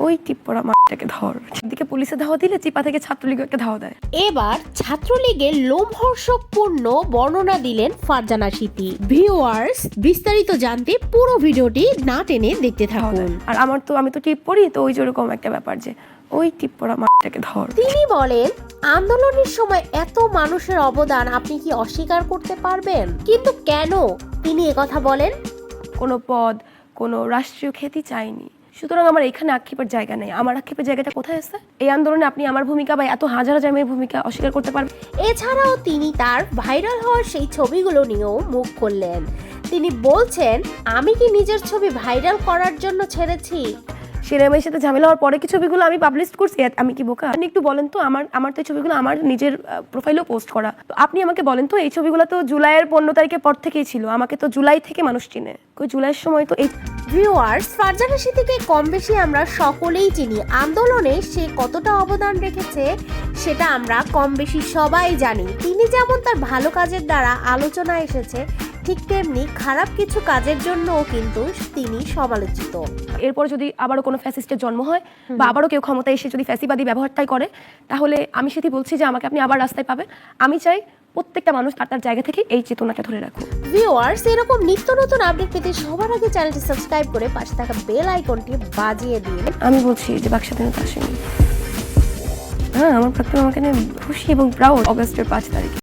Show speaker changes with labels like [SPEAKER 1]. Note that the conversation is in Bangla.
[SPEAKER 1] ওই টিপ্পরা মাটাকে ধর, দিকে পুলিশে ধাওয়া দিলে চিপা থেকে ছাত্রলীগকে ধাওয়া দেয়।
[SPEAKER 2] এবার ছাত্রলীগের লোমহর্ষকপূর্ণ বর্ণনা দিলেন ফারজানা সিথি। ভিউয়ার্স, বিস্তারিত জানতে পুরো ভিডিওটি না টেনে দেখতে থাকুন।
[SPEAKER 1] আর আমি তো টিপ পড়ি, তো ওই যেরকম একটা ব্যাপার যে ওই টিপ্পরা মাটাকে ধর।
[SPEAKER 2] তিনি বলেন, আন্দোলনের সময় এত মানুষের অবদান আপনি কি অস্বীকার করতে পারবেন? কিন্তু কেন তিনি একথা বলেন?
[SPEAKER 1] কোনো পদ, কোনো রাষ্ট্রীয় খ্যাতি চাইনি, সুতরাং আমার এখানে আক্ষেপের জায়গা নেই। আমার আক্ষেপের জায়গাটা কোথায় আছে? এই আন্দোলনে আপনি আমার ভূমিকা বা এত হাজার হাজার মেয়ের ভূমিকা অস্বীকার করতে পারবেন?
[SPEAKER 2] এছাড়াও তিনি তার ভাইরাল হওয়ার সেই ছবিগুলো নিয়েও মুখ খুললেন। তিনি বলছেন, আমি কি নিজের ছবি ভাইরাল করার জন্য ছেড়েছি?
[SPEAKER 1] শিরামের সাথে ঝামেলা হওয়ার পরে কি ছবিগুলো আমি পাবলিশ করছি? আমি কি বোকা? আপনি একটু বলেন তো, আমার তো এই ছবিগুলো আমার নিজের প্রোফাইলেও পোস্ট করা। তো আপনি আমাকে বলেন তো, এই ছবিগুলো তো জুলাইয়ের 15 তারিখের পর থেকেই ছিল। আমাকে তো জুলাই থেকে মানুষ চিনে, ওই জুলাইয়ের সময় তো এই।
[SPEAKER 2] ভিউয়ার্স, ফারজানা সিথিকে কম বেশি আমরা সকলেই চিনি। আন্দোলনে সে কতটা অবদান রেখেছে সেটা আমরা কম বেশি সবাই জানি। তিনি যেমন তার ভালো কাজের দ্বারা আলোচনা এসেছে, ঠিক তেমনি খারাপ কিছু কাজের জন্যও কিন্তু তিনি সমালোচিত।
[SPEAKER 1] এরপর যদি আবারও কোনো ফ্যাসিস্টের জন্ম হয় বা আবারও কেউ ক্ষমতায় এসে যদি ফ্যাসিবাদী ব্যবহারটাই করে, তাহলে আমি সেটি বলছি যে আমাকে আপনি আবার রাস্তায় পাবেন। আমি চাই প্রত্যেকটা মানুষ তার জায়গা থেকে এই চেতনাটা ধরে রাখুক।
[SPEAKER 2] ভিউয়ার্স, এরকম নিত্য নতুন আপডেট পেতে সবার আগে চ্যানেলটি সাবস্ক্রাইব করে পাশে থাকা বেল আইকনটি বাজিয়ে দিন।
[SPEAKER 1] আমি বলছি যে বাক স্বাধীনতা আসেনি। হ্যাঁ, আমার প্রাক্তন আমাকে নিয়ে খুশি এবং প্রাউড অগাস্টের 5 তারিখ।